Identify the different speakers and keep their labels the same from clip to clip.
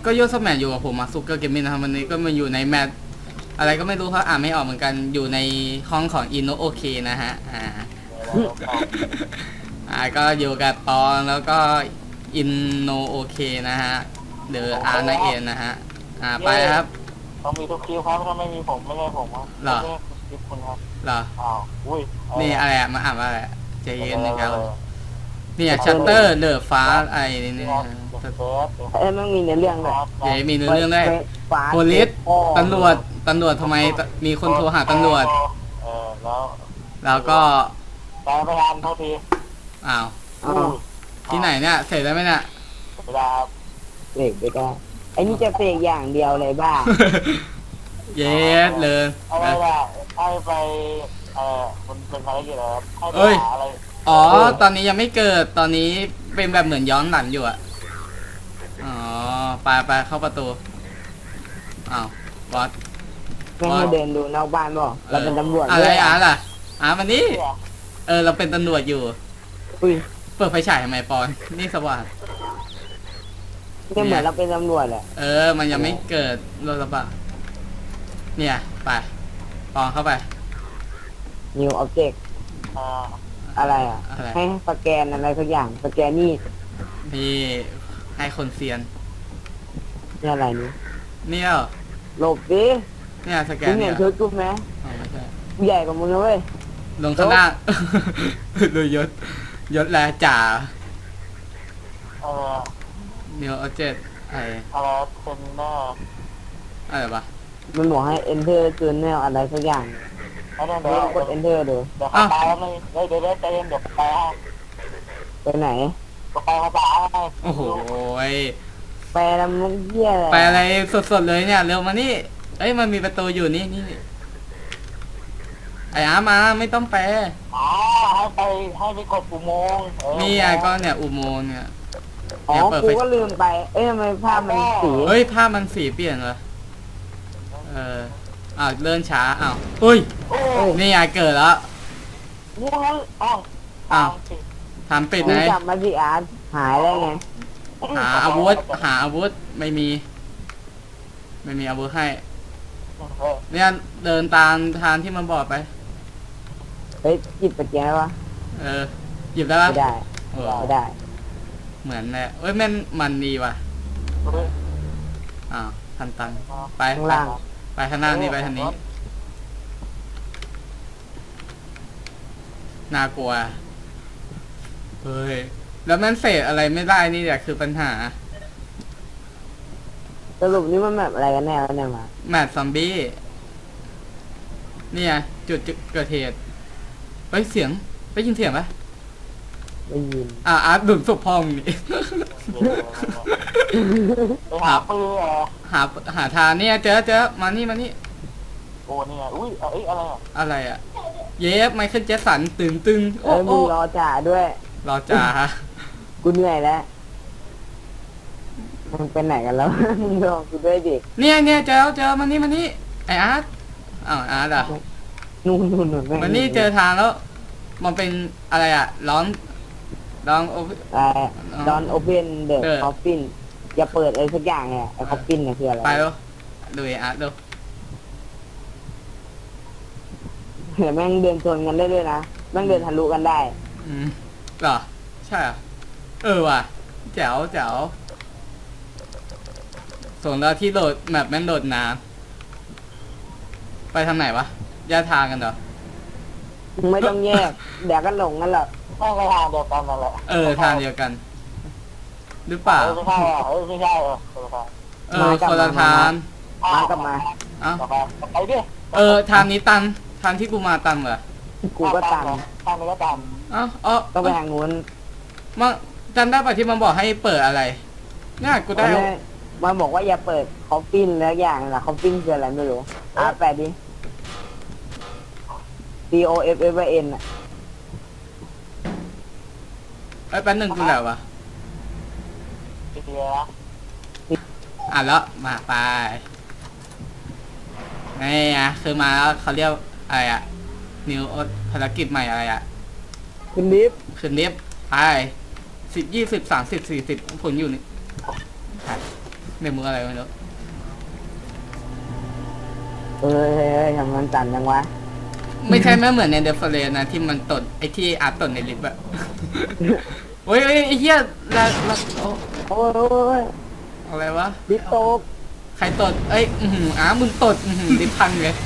Speaker 1: ก็โยสแมนอยู่กับผมมาซุกเกอร์เกมมิ่งนะครับวันนี้ก็มาอยู่ในแมทอะไรก็ไม่รู้เขาอ่านไม่ออกเหมือนกันอยู่ในห้องของอินโนโอเคนะฮะก็อยู่กับปอนแล้วก็อินโนโอเคนะฮะเดออาร์ไนเอ็นนะฮะไปครับ
Speaker 2: เขามีทุกคิวครับถ้าไม่มีผมไม่ใช่ผมครับ
Speaker 1: หรอ
Speaker 2: คลิปคุณครับ
Speaker 1: หรอ
Speaker 2: อุ้ย
Speaker 1: นี่อะไรอะมาอ่านว่าอะไรใจเย็นนะครับเนี่ยชัตเตอร์เดอะฟ้าไอ้นี่
Speaker 3: มันมีในเรื่องเลย
Speaker 1: มีเนื้อเรื่องด้วยโพลิสตำรวจทำไมมีคนโทรหาตำรวจแล้วก็
Speaker 2: ตามไปทานเท่าที
Speaker 1: อ้าวที่ไหนเนี่ยเสร็จแล้วไหมเนี่ย
Speaker 2: ไม่ได้ครับ
Speaker 3: เสกไปได้ไอ้นี่จะเสกอย่างเดียวเลยบ้า
Speaker 1: เย็ดเลย
Speaker 2: อะไรล่ะให้ไปมันเป็นภารกิจอะไรครับ
Speaker 1: ให้ไปหาอะไรอ๋อตอนนี้ยังไม่เกิดตอนนี้เป็นแบบเหมือนย้อนหลังอยู่อะอ๋อไปเข้าประตูอ้าวบอส
Speaker 3: ไม่เดินดูนอกบ้านบ่เราเป็นตำรวจ
Speaker 1: อะไรล่ะมันนี่เราเป็นตำรวจอยู่เปิดไฟฉายทำไมปอนนี่สว่าง
Speaker 3: ก็เหมือนเราเป็นตำรวจแหละ
Speaker 1: มันยังไม่เกิดรถกระบะเนี่ยไปปอนเข้าไป
Speaker 3: New Object อะไรให้สแกนอะไรสักอย่างสแกนนี่
Speaker 1: ให้คนเซียน
Speaker 3: นี่อะไรนี่
Speaker 1: เนี่ย
Speaker 3: หลบดิ
Speaker 1: เนี่ยสแกน
Speaker 3: เนี่ยชุดกูไหมใหญ่กว่ามึงนะเว้ย
Speaker 1: ลงข้างหน้าดูยศแลจ่าNew Object อะไร
Speaker 2: เป็นหน้า
Speaker 1: อะไรปะ
Speaker 3: มันบอกให้ enter journal อะไรสักอย่าง
Speaker 2: เดี๋ยว
Speaker 3: กด enter ดู
Speaker 2: เดี๋ยวเขาตายแล้วไม่เดี๋ยวใจเย็นเดี๋ยวไป
Speaker 3: ไหน
Speaker 2: ไปเขาตาย
Speaker 1: โอ้โห
Speaker 3: แปลแล้วมึงเหี้ยอะไร
Speaker 1: แปลอะไรสดๆเลยเนี่ยเร็วมานี่มันมีประตูอยู่นี่ไอ้มาไม่ต้องแปล
Speaker 2: ให้ไปกดอุโมงค์
Speaker 1: นี่ก็เนี่ยอุโมงค์เนี่ย
Speaker 3: กูก็ลืมไปทำไมภาพมันสี
Speaker 1: ภาพมันสีเปลี่ยนเหรอเลื่อนช้านี่เกิดแล้วทำปิดไหน
Speaker 3: กลับมาสิอาร์ตหายได้ไง
Speaker 1: หาอาวุธไม่มีอาวุธให้เนี่ยเดินตามทางที่มันบอกไป
Speaker 3: หยิบปัจจัยวะ
Speaker 1: หยิบได้ปะ
Speaker 3: ไม่ได้
Speaker 1: เหมือนเลยมันดีว่ะทันตันไป
Speaker 3: ข้างล่าง
Speaker 1: ไปข้างหน้านี่ไปทางนี้น่ากลัวแล้วมันเศษอะไรไม่ได้นี่แหละคือปัญหา
Speaker 3: สรุปนี่มันแบบอะไรกันแน่แล้วเนี่ยมา
Speaker 1: แมทซอมบี้เนี่ยจุดเกิดเหตุเสียงได้ยินเสียงปะ
Speaker 3: ได้ยิน
Speaker 1: ดุนศพพองนี่หาทางเนี่ยเจอมานี่
Speaker 2: โอ้เนี่ยอุ้ย
Speaker 1: อะไรเย็บไมเคิลแจ็คสันตึง
Speaker 3: มึงรอจ่าด้วย
Speaker 1: รอจ่า
Speaker 3: กูเหนื่อยแล้วมึงเป็นไหนกันแล้วมึงรอกูด้วยดิ
Speaker 1: เนี่ยเจอมานี่ไออาร์ตอาร์ต
Speaker 3: นู่น
Speaker 1: มันนี่เจอทางแล้วมันเป็นอะไรด
Speaker 3: อนโอเพนเดอะคอฟฟินอย่าเปิดอะไรสักอย่างไงไอคอฟฟินเนี่ยคืออะไร
Speaker 1: ไปแล้วดูอาร์ตดู
Speaker 3: เดี๋ยวแม่งเดินชนกันได้ด้วยนะแม่งเดินทะลุกันได้
Speaker 1: เหรอใช่ว่ะแจ๋วส่งเราที่โหลดแมปแม่งโหลดน้ำไปทางไหนวะแยกทางกันเหรอ
Speaker 3: ไม่ต้องแยกเดี๋ยวก็หลงกันหรอก
Speaker 2: ต้องไปทางเดียวกันนั่นแหละ
Speaker 1: ทางเดียวกันหรือเปล่า
Speaker 2: ไม่ใช่
Speaker 1: คนละทาง
Speaker 3: มากลับมา
Speaker 2: ไปดิ
Speaker 1: ทางนี้ตันทางที่กูมาตันเหรอ
Speaker 3: กูก็ตัน
Speaker 2: ทางนี้ก็ตัน
Speaker 3: ต้องไปทางนู้น
Speaker 1: มันจำได้ป่ะที่มันบอกให้เปิดอะไรเนี่ยกูได้
Speaker 3: มันบอกว่าอย่าเปิดคอฟฟินแล้วอย่างนะคอฟฟินคืออะไรไม่รู้แปลดิ COFFN
Speaker 1: แป๊บนึงกูแล้ววะแล้วมาไปนี่คือมาแล้วเขาเรียกอะไรนิวภารกิจใหม่อะไร
Speaker 3: ขึ้นลิฟต์
Speaker 1: ไป10 20 30 40ผลอยู่นี่เมมมืออะไรไม่รู้
Speaker 3: เอ้ยทำมันสั่นจังวะ
Speaker 1: ไม่ใช่ไม่เหมือนในเดฟเฟลนะที่มันตดไอ้ที่อาร์ตตดในลิฟต์อะ โอ้ยไอ้เหี้ยละโอ้
Speaker 3: โอ้ย
Speaker 1: อะไรวะ
Speaker 3: ดิโตก
Speaker 1: ใครตดเอ้ยมึงตดลิฟต์พังเลย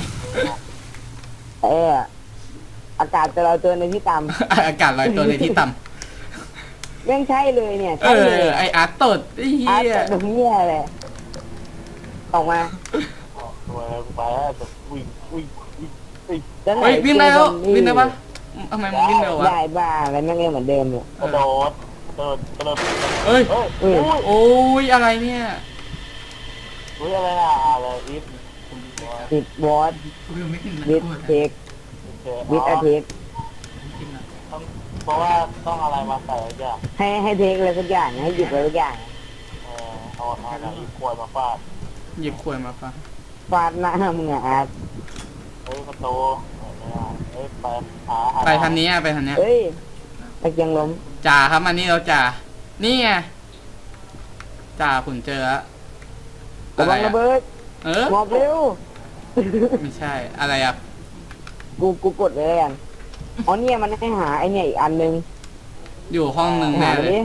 Speaker 3: อากาศจะเราเจอในที่ต่
Speaker 1: อากาศลอยตัวในที่ต่ำ
Speaker 3: ำแม่งใช่เลยเนี่ย
Speaker 1: เอ
Speaker 3: ใช่เลย
Speaker 1: อไออาร์ตตดไอ้เหี้
Speaker 3: อาร์ต
Speaker 1: ย
Speaker 3: ตรงเนี้ยเลยออกมา
Speaker 2: ตัวไปแล้วจะวิ่ง
Speaker 3: แล้วไหน
Speaker 1: เฮ้ยวิ่งได้แล้ววิ่งได้ปะ
Speaker 3: เ
Speaker 1: ทำไมมันวิ่งเร็ววะ
Speaker 3: ได้บ้าอะไรแม่งเล่นเหมือนเดิมเนี่ย
Speaker 2: กระโดด
Speaker 1: เอ้ย
Speaker 2: เฮ้ย
Speaker 1: โอ้ยอะไรเนี่ย
Speaker 2: อุ้ยอะไรน่ะอะไรอีฟ
Speaker 3: ติดวอตวิดเทควิดอเทค
Speaker 2: เพราะว่าต้องอะไรมาใส่จ้ะ
Speaker 3: ให้เทคอะไรสักอย่างให้หยิบอะไรสักอย่าง
Speaker 2: เอาอะไรอีกขวดมาฟาด
Speaker 1: หยิบขวดมาปะ
Speaker 3: ฟาดหน้ามึงอะอาร์ต
Speaker 2: เฮ้ยประตูเฮ้ยไปหา
Speaker 1: ไปทางนี้อะไปทางเนี้ย
Speaker 3: เฮ้ยตะเกียงล้ม
Speaker 1: จ่าครับอันนี้เราจ่านี่ไงจ่าผมเจอแล้ว
Speaker 3: ระวังระเบิด
Speaker 1: เออ
Speaker 3: หมอบเร็ว
Speaker 1: ไม่ใช่อะไรอ่ะ
Speaker 3: กูกดเลยกันอ๋อเนี่ยมันให้หาไอเนี่ยอีกอันนึง
Speaker 1: อยู่ห้องหนึ่ง
Speaker 3: หา
Speaker 1: แน่
Speaker 3: ไป
Speaker 1: เลย
Speaker 3: ดิ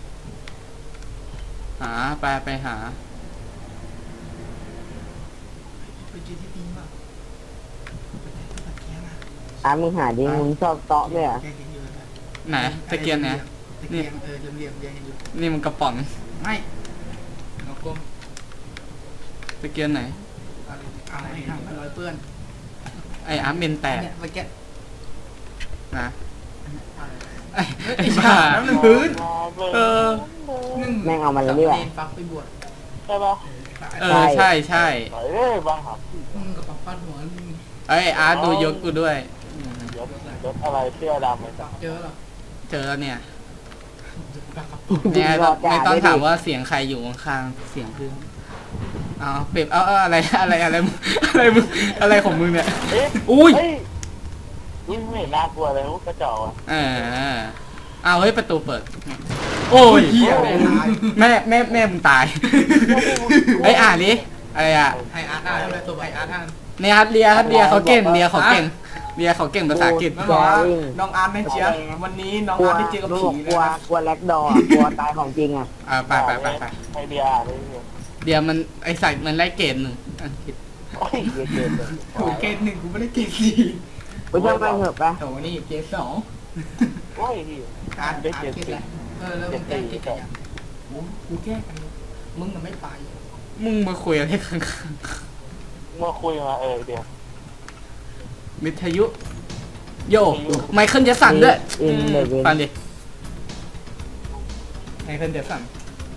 Speaker 1: หาไปหา
Speaker 3: อ่ะมึงหาดิมึงชอบเตาะด้วยอ่ะ
Speaker 1: ไหนตะเกียงไหน
Speaker 4: ตะเกียงเหลี่ยมๆยังอยู่
Speaker 1: นี่มันกระป๋อง
Speaker 4: ไม่เราก้ม
Speaker 1: ตะเกียงไหน
Speaker 4: อะไรทำมันรอยเปื้อน
Speaker 1: ไออาร์ตเมนแตก
Speaker 4: เนี่ยเมื่อกี้
Speaker 1: นะไอ้บ้า
Speaker 4: น้ำหนึ่งพื้น
Speaker 1: เออ
Speaker 3: แม่งเอามันเลยดีกว่า
Speaker 4: ฟักไปบวช
Speaker 2: ใช่ปะ
Speaker 1: เออใช่
Speaker 2: ไหนเอ้ยบางหับ
Speaker 4: มึงกับปักฟาดหัวมึง
Speaker 1: ไอยอาร์ตดูยศกูด้วย
Speaker 2: ยศอะไรเสื้อดำเลยจ้ะ
Speaker 4: เจอหรอ
Speaker 1: เจอแล้วเนี่ย
Speaker 4: ปักกับ
Speaker 1: เนี่ย
Speaker 3: รอจ่า
Speaker 1: ไม่ต้อง
Speaker 3: ด้วยดิ
Speaker 1: ถามว่าเสียงใครอยู่ข้างๆเสียงเพื่อนเอาเป็บเอาอะไรมึงอะไรของมึงเนี่ย
Speaker 2: เอ๊ะ
Speaker 1: อุ้ย
Speaker 2: เฮ้ยไม่เห็นน่ากลัวเลยกระจอกอ่ะ
Speaker 1: เอาเฮ้ยประตูเปิด โอ้ย
Speaker 4: เหี้ยเลยตาย
Speaker 1: แม่มึงตายเฮ้ยอ่านดิอะไรอ่ะ
Speaker 4: ไออาร์ตอ่านเลยตัวไออาร์ตอ่าน
Speaker 1: เนี่ยฮัตเลียเขาเก่งเลียเขาเก่งภาษาอังกฤษ
Speaker 4: มันบอกว่าน้องอาร์ตไม่เชียร์วันนี้น้อง
Speaker 3: กลัว
Speaker 4: อาร์ตได้เจอกับ
Speaker 3: ก
Speaker 4: ผี
Speaker 3: ลั
Speaker 4: เล
Speaker 3: วย
Speaker 4: นะ
Speaker 3: กลัวแลกดอร์กลัวตายของจริงอ่ะ
Speaker 1: ไป
Speaker 2: ไอเดียเลย
Speaker 1: เดี๋ยวมันไอใส่มันไล่เกรดหนึ่งอังกฤษ
Speaker 2: โอ้ยเย็นเย็นเลย
Speaker 4: โอ้เกรดหนึ่งกูไม่ได้เกรดสี่
Speaker 3: กูช่างมันเถอะปะ
Speaker 4: โถนี่เกรดสอง
Speaker 2: โอ้ย
Speaker 4: อาร์ตเกรดอะไรแล้วมึงแก้เกรดอะไรกูแก้กันมึงน่ะไม่ไป
Speaker 1: มึงมาคุยอะไรข้าง
Speaker 2: เมื่อคุยมาเดี๋ยว
Speaker 1: ๆวิทยุ โยไมเคิลเจสันด้วย
Speaker 3: อินเดวิน
Speaker 1: ฟังดิไมเคิลเจสัน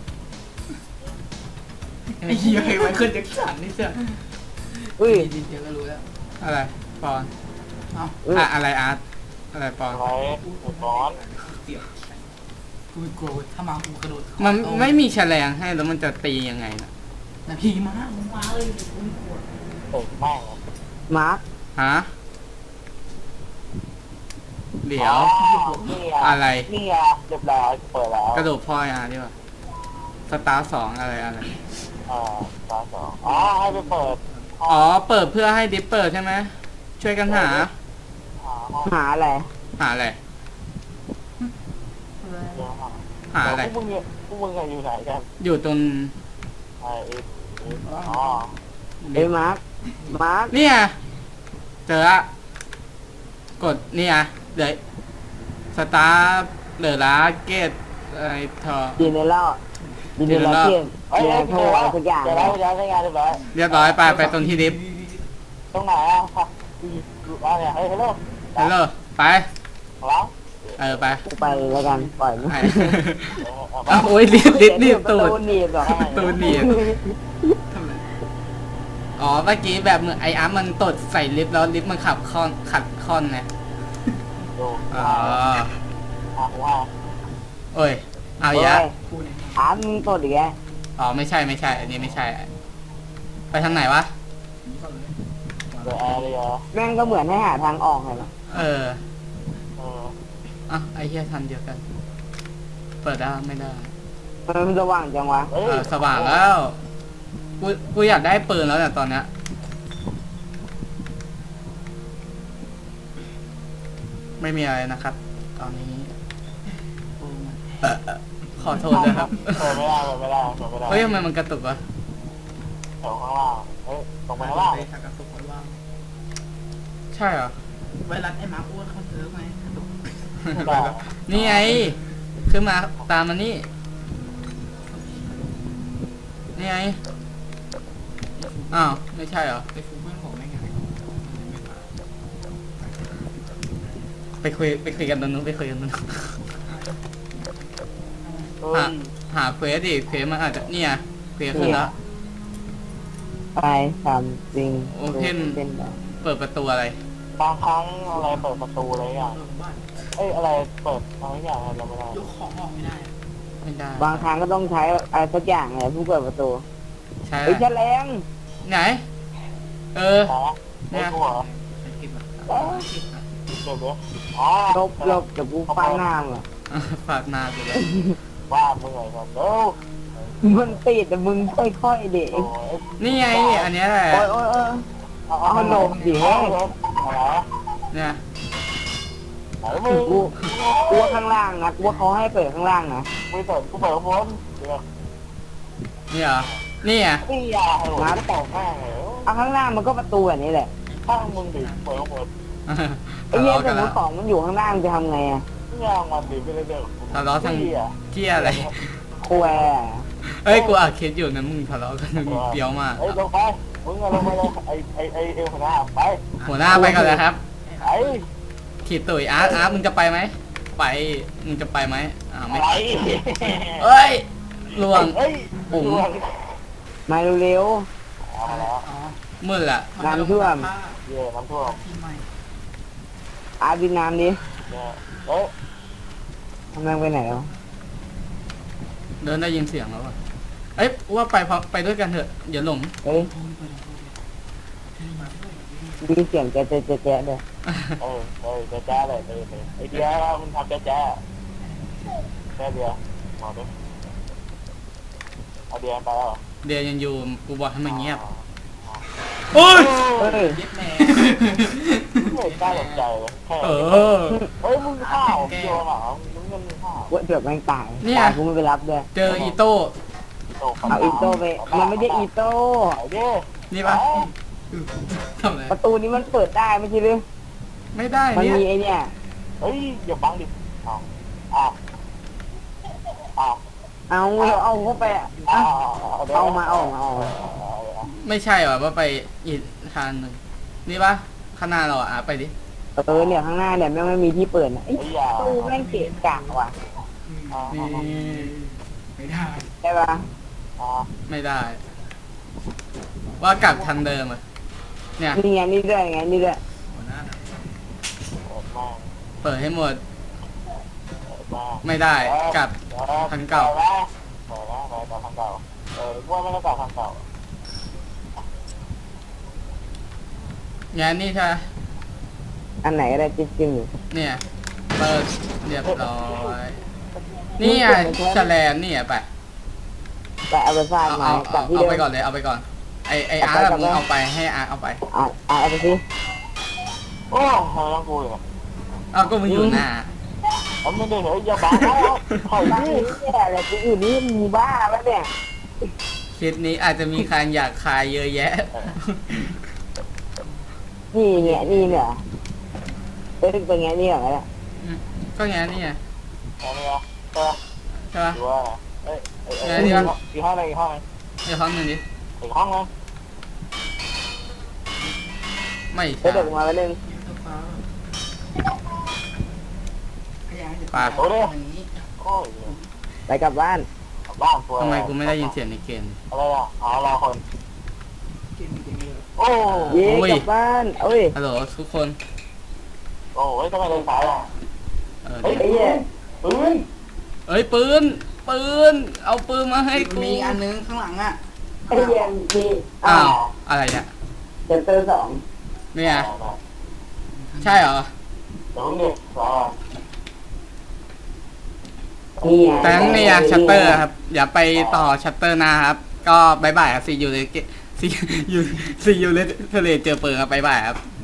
Speaker 4: ไอ้เหี้ยเคยไว้ขึ้นแจ็คสันนี่เสีย
Speaker 3: อุ้ย
Speaker 4: ดีเดี๋ยวก็รู้แล้ว
Speaker 1: อะไรปอน
Speaker 4: เอ้า
Speaker 1: อะไรอาร์ตอะไรปอน
Speaker 2: ไว้ร้อน
Speaker 4: เสียบกูกลัวถ้ามากูกระโดด
Speaker 1: มันไม่มีแฉลงให้แล้วมันจะตียังไงนะ
Speaker 4: นะพี่มามึงมาเลยกูกลัว
Speaker 2: แม่ง
Speaker 3: มาร์ค
Speaker 1: ฮะเดี๋ยว
Speaker 2: นี่
Speaker 1: อะไร
Speaker 2: นี่อ่ะเรียบร้อยเปิดแล้ว
Speaker 1: กระโดดพ่อยอาร์ดีกว่าสตาร์สองอะไร
Speaker 2: ตาสองให้ไปเปิด
Speaker 1: อ๋อเปิดเพื่อให้ดิปเปิดใช่ไหมช่วยกันหา
Speaker 2: ห้อง
Speaker 3: หาอะไร
Speaker 1: หาอะไร หาอะไร
Speaker 2: พวกมึงอยู่ไหนกัน
Speaker 1: อยู่ตรง
Speaker 2: อ๋อ
Speaker 3: เอ้ยมาร์คมาร์ค
Speaker 1: เนี่ยเจอละกดเนี่ยเดี๋ยวสตาร์เหลือละเกตอะไรทอ
Speaker 3: ดีในเล่าดีในเล่าเที่ยง
Speaker 2: เฮ้ย
Speaker 3: เรียน
Speaker 2: เจ
Speaker 3: โทร
Speaker 2: อ
Speaker 3: อะไร
Speaker 2: แล้ว
Speaker 3: สักอย่าง
Speaker 2: เจอแล้วย้ายใช้งานเรียบร้อย
Speaker 1: เรียบร้อยไปตรงที่ดิฟ
Speaker 2: ตรงไหนอ่ะเนี่ยเฮ้ยฮัลโหล
Speaker 1: ฮัลโหลไป
Speaker 2: แล้ว
Speaker 1: ไป
Speaker 3: กูไปแล้วกันปล่อยมัน
Speaker 1: ไปเอาโอ้ยรีบตูด
Speaker 3: หนีบหรอ
Speaker 1: ตูดหนีบ
Speaker 4: ทำไร
Speaker 1: อ๋อเมื่อกี้แบบมือไออาร์มันตดใส่ลิฟต์แล้วลิฟต์มันขัดคอนไง
Speaker 2: ดู
Speaker 1: อ๋อ
Speaker 2: ว่า
Speaker 1: โอ้ยเอาอีกแล้ว
Speaker 4: กูเนี่ย
Speaker 3: ถามมึงตัวดีแก
Speaker 1: อ๋อไม่ใช่อันนี้ไม่ใช่ ไปทางไหนวะ
Speaker 4: นี่ก่อนเลย
Speaker 2: เดอะแอร์เลย
Speaker 3: แม่งก็เหมือนให้หาทางออกไงล่ะ
Speaker 1: อ่ะไอเฮียทันเดียวกัน เปิดได้ไม่ได้
Speaker 3: มันสว่างจังวะ
Speaker 1: สว่างแล้ว กูอยากได้ปืนแล้วเนี่ยตอนเนี้ยไม่มีอะไรนะครับ ตอนนี้ขอโทษด้วยครับ
Speaker 2: เปิดไม่ได้
Speaker 1: เฮ้ยทำไมมันกระตุกวะ
Speaker 2: แถวข้างล่างตรงไปข้างล่าง
Speaker 4: ไปทางกระตุกคนว่าง
Speaker 1: ใช่เหรอ
Speaker 4: ไวรัสไอ้มาร์คอ้วนเขาเจอไหมกระตุก
Speaker 1: นี่ไงขึ้นมาตามมานี่นี่ไงอ้าวไม่ใช่เหรอ
Speaker 4: ไปฟูเพื่อนผมไม่ไง
Speaker 1: ไปคุยกันตรงนู้นไปคุยกันตรงนู้น หาเควสดิเควสมันอาจจะเนี่ยเควสขึ้นแล้ว
Speaker 3: ไปทำจริง
Speaker 1: โอเค
Speaker 3: เป็นแบบ
Speaker 1: เปิดประตูอะไร
Speaker 2: บางครั้งอะไรเปิดประตูอะไรอย่าง
Speaker 4: บ้าน
Speaker 2: อะไรเปิดอะไรอย่างเราไม่ได้
Speaker 4: ยกของออกไม่ได้
Speaker 1: ไม่ได้
Speaker 3: บางครั้งก็ต้องใช้อะไรสักอย่างไงเพื่อเปิดประตู
Speaker 1: ใช่
Speaker 3: ไอ้แฉลง
Speaker 1: ไหน เออ
Speaker 2: เนี่ยหัว
Speaker 4: เก็บแบบ
Speaker 2: เดี๋ยวอ๋อ
Speaker 3: ลบเดี๋ยวกูฟาดหน้ามึงอะ
Speaker 1: ฝากหนาไปเลย
Speaker 2: ว่าเมื่อยก่อนเร็ว
Speaker 3: มันติดแต่มึงค่อยๆเด็ก
Speaker 2: โอ้ย
Speaker 1: นี่ไงอันเนี้ยแหละ
Speaker 3: โอ้ยโอ้ยเออ เอาหลบดิ
Speaker 2: อะไร
Speaker 1: เนี่ย
Speaker 2: ไหนมึง
Speaker 3: กูว่าข้างล่างนะกูว่าเขาให้เปิดข้างล่างนะ
Speaker 2: ไม่เปิดกูเปิดข้างบนเดี๋ยว
Speaker 1: นี่เหรอนี่อ่ะ
Speaker 2: นี่ยาให้ผมตอบแม่เลย
Speaker 3: เอาข้างล่างมันก็ประตูแบบนี้แหละ
Speaker 2: ข้างมึงดิเปิดข้างบน
Speaker 3: ไอ้เนี่ย
Speaker 1: ทะ
Speaker 3: ส
Speaker 1: เลาะ
Speaker 3: ม
Speaker 1: กัน
Speaker 3: ม
Speaker 1: แล้ว
Speaker 3: ติของมันอยู่ข้างล่างจะทำไงอะ
Speaker 2: ย่างมันดิไปเรื่อย
Speaker 1: ทะเลาะทางเที่ยอะไร
Speaker 3: ควยอะ
Speaker 1: เฮ้ยกูอัดคลิปอยู่นะมึงทะเลาะกันมึงเปรี้ยวมาก
Speaker 2: เฮ้ยลงไปมึงลงไปเลยไอเอวหัวหน้าไป
Speaker 1: หัวหน้าไปก่อนเลยครับ
Speaker 2: ไอ้
Speaker 1: ขีดตุ๋ยอาร์ตมึงจะไปไหมไปมึงจะไปไหมไม่
Speaker 2: อะไร
Speaker 1: เอ้ยลวง
Speaker 2: เฮ้ย
Speaker 3: มาเร็ว
Speaker 2: เอามาแล้ว
Speaker 4: อ๋อ
Speaker 1: มืดละ
Speaker 3: น้ำท่วม
Speaker 2: เย่น้ำท่วม
Speaker 4: ที่ใหม่
Speaker 3: ๆอาบินน้ำดิ
Speaker 2: เนี่ยเฮ้ย
Speaker 3: ทำไมไปไหนแล้ว
Speaker 1: เดินได้ยินเสียงแล้วอ่ะเอ้ยว่าไปพร้อมไปด้วยกันเถอะอย่าหลง
Speaker 3: เฮ้ยมีเสียงแจ๊ะแจ๊ะแจ๊ะแจ๊ะด้วย
Speaker 2: แจ๊เลยไอเดียมันทำแจ๊แจ๊เดียวบอกดิเอาเดียไปแล้ว
Speaker 1: เดี๋ยวยังอยู่กูบอกให้มันเงียบโอ้ย
Speaker 3: เฮ้ย
Speaker 4: เย็บแม่
Speaker 2: ไม่กล้าสนใจเลยแค่
Speaker 1: เออ
Speaker 2: เฮ้ยมึงข้าวโยนเหรอมึงเงินข้าว
Speaker 3: ว่าเดือบแม่งตาย
Speaker 1: เนี่ย
Speaker 3: ตายกูไม่ไปรับด้วย
Speaker 1: เจออีโต้
Speaker 3: เอาอีโต้ไป มันไม่ได้อีโต้
Speaker 2: ไอ้ดิ
Speaker 1: นี่ปะทำอะไร
Speaker 3: ประตูนี้มันเปิดได้ไม่ใช่หรือ
Speaker 1: ไม่ได้
Speaker 3: มัน
Speaker 1: เนี่ย
Speaker 3: มีไอ้เนี่ย
Speaker 2: เฮ้ยอย่าบังดิอ้าวอ้าวอ้าว
Speaker 3: เอาเข้าไปอะอ่ะเอามา
Speaker 1: ไม่ใช่หรอว่าไปอีกทางหนึ่งนี่ปะข้างหน้าเราอ่ะไปดิ
Speaker 3: เนี่ยข้างหน้าเนี่ยแม่งไม่มีที่เปิดนะไอ้
Speaker 2: ไอ้ยา
Speaker 3: ตู้แม่งเกะกะว่ะ
Speaker 1: นี่
Speaker 4: ไม่ได้
Speaker 3: ใช่ปะ
Speaker 1: ไม่ได้ ว่ากลับทางเดิมอ่ะเนี่ย
Speaker 3: นี่ไงนี่ด้วยไงนี่ด้วย
Speaker 4: หัวหน้า
Speaker 1: เปิดให้หมด
Speaker 2: มา
Speaker 1: ไม่ได้กลับ ทางเก่า
Speaker 2: ไปทางเก่าว่าไม่ต้องกลับทางเก่า
Speaker 1: งานนี่ใช่ไหม
Speaker 3: อันไหนก็ได้จิ้มอยู่
Speaker 1: เนี่ยเปิดเรียบร้อยนี่ไงแฉลมนี่อ่ะไป
Speaker 3: แต่เอาไปฟาด
Speaker 1: เอา
Speaker 3: ไม้
Speaker 1: เอา
Speaker 3: กลับที่
Speaker 1: เอา
Speaker 3: เดิม
Speaker 1: ไปก่อนเลยเอาไปก่อนไออาร์ตมึงเอาไปให้อาร์ตเอาไป
Speaker 3: เอาไปสิ
Speaker 2: โอ้ทำไมต้องกูอีกอ่ะ
Speaker 1: เอาก็มึงอยู่หน้า
Speaker 2: ผมไม่ได้เหรออย่าบ้าแล้วถอย
Speaker 3: บ้า
Speaker 2: ดิ
Speaker 3: นี่เนี่ยอะไรกูอยู่นี่มีบ้าแล้วเนี่ย
Speaker 1: คลิปนี้อาจจะมีใครอยากคายเยอะแยะ
Speaker 3: นี่เนี่ยเป็นไงนี่เหรอเนี่ย
Speaker 1: ก็งานนี่ไง
Speaker 2: เอาเนี่ยใช่
Speaker 1: ใช่ปะ
Speaker 2: หรือว่าอีกห้องนึง
Speaker 1: อีกห้องหนึ่งดิ
Speaker 2: อีกห้องนึง
Speaker 1: ไม่
Speaker 3: เดี๋
Speaker 1: ใช่
Speaker 3: ยวมาแป๊บนึง
Speaker 4: ขยายเดี๋ยว
Speaker 1: ปาก
Speaker 2: โอ้ดิ
Speaker 4: อย่างนี้
Speaker 2: โอ้ย
Speaker 3: ไปกลับบ้าน
Speaker 2: บ้านตัว
Speaker 1: ทำไมกูไม่ได้ยินเสียงในเกม
Speaker 2: อะไรอ่ะอ๋อรอคน
Speaker 4: เกมเยอะ
Speaker 2: โอ้
Speaker 3: เย้
Speaker 1: โอ้ย
Speaker 3: กลับบ้านเอ้ย
Speaker 1: ฮัลโหลทุกคน
Speaker 2: โอ้ยทำไมเดินสายอ่ะ
Speaker 1: เดี๋ยว
Speaker 3: ไอ้เหี้ย
Speaker 2: ปืน
Speaker 1: เอ้ยปืนเอาปืนมาให้กู
Speaker 4: มีอันนึงข้างหลังอ่ะ
Speaker 3: ไอ้เหี้ยมี
Speaker 1: อ้าวอะไรเนี่ย
Speaker 3: เซนเตอร์
Speaker 1: เนี่ยใช่เหรอ
Speaker 2: เดี๋ยวนี่สอง
Speaker 3: นี่ไง
Speaker 1: แต่ทั้งเนี่ยชัตเตอร์ครับอย่าไปต่อชัตเตอร์หน้าครับ ก็บายบายครับซีอยู่เลยซีอยู่เลยทะเลเจอเปิงครับบายบายครับ